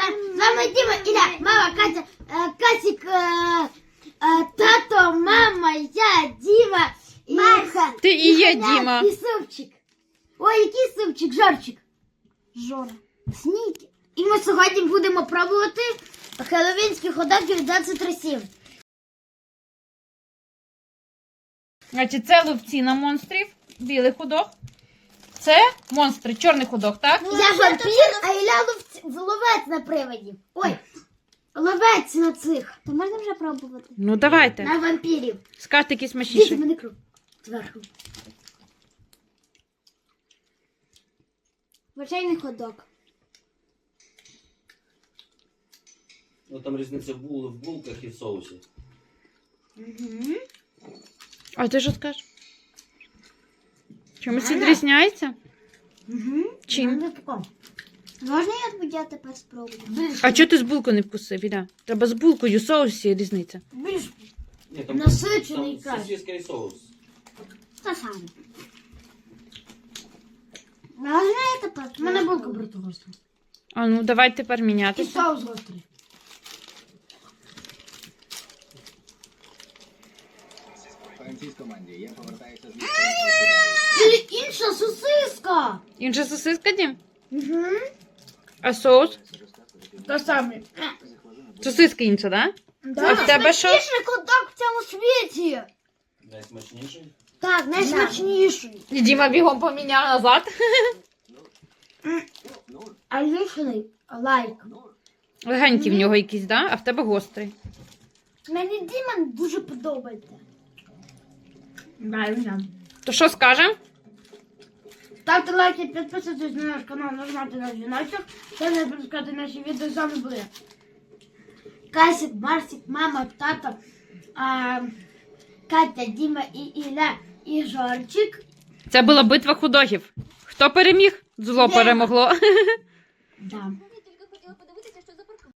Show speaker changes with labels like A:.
A: З вами Діма, Ілля, мама, Катя, Касік, тато, мама, я, Діма, і Маша.
B: Ти і є Діма.
A: І супчик. Ой, який супчик, Жорчик. Жора. Сніки. І ми сьогодні будемо пробувати хеллоуінські хот-доги від 23-7.
B: Значить, це ловці на монстрів, білий ходок. Це монстри, чорний ходок, так?
A: Я вампір, а Ілля ловець на приводі. Ой, ловець на цих. То можна вже пробувати?
B: Ну, давайте.
A: На вампірів.
B: Скажете, який
A: Дивіться,
B: смачніший.
A: мене кров. Зверху. Звичайний ходок.
C: Ну там різниця в булках і в соусі.
A: Угу.
B: А ти що скажеш? Чомусь відрізняється?
A: Угу.
B: Чим?
A: Можна я тепер спробую?
B: А чого ти з булкою не вкусив, Іля? Треба з булкою, в соусі різниця.
A: Більш
C: Ні, там,
A: насичений
C: там
A: краще.
C: сосиска і соус.
A: Та саме. Можна я тепер? У мене булка брати гостра.
B: А ну, давай тепер
A: І
B: мінятися.
A: соус гострий.
D: Француз команді, я повертаюся з
A: Це інша сосиска.
B: Інша сосиска, Дім?
A: Угу.
B: А соус?
A: Та саме.
B: Сосиска інша, так?
A: Да.
B: А в тебе що?
A: Найсмачніший ходок в цьому світі.
C: Найсмачніший.
A: Так, найсмачніший.
B: І Діма бігом поміняв назад.
A: А лишений лайк.
B: Легенький в нього якийсь, да? А в тебе гострий.
A: Мені Діма дуже подобається. Правильно.
B: То що скажемо?
A: Ставте лайки, підписуйтесь на наш канал, нажимайте на дзвіночок, щоб не пропускати наші відео. З вами були Касік, Марсик, мама, тато, Катя, Діма і Ілля, і Жорчик.
B: Це була битва худогів. Хто переміг? Зло
A: Діма.
B: перемогло.
A: Да.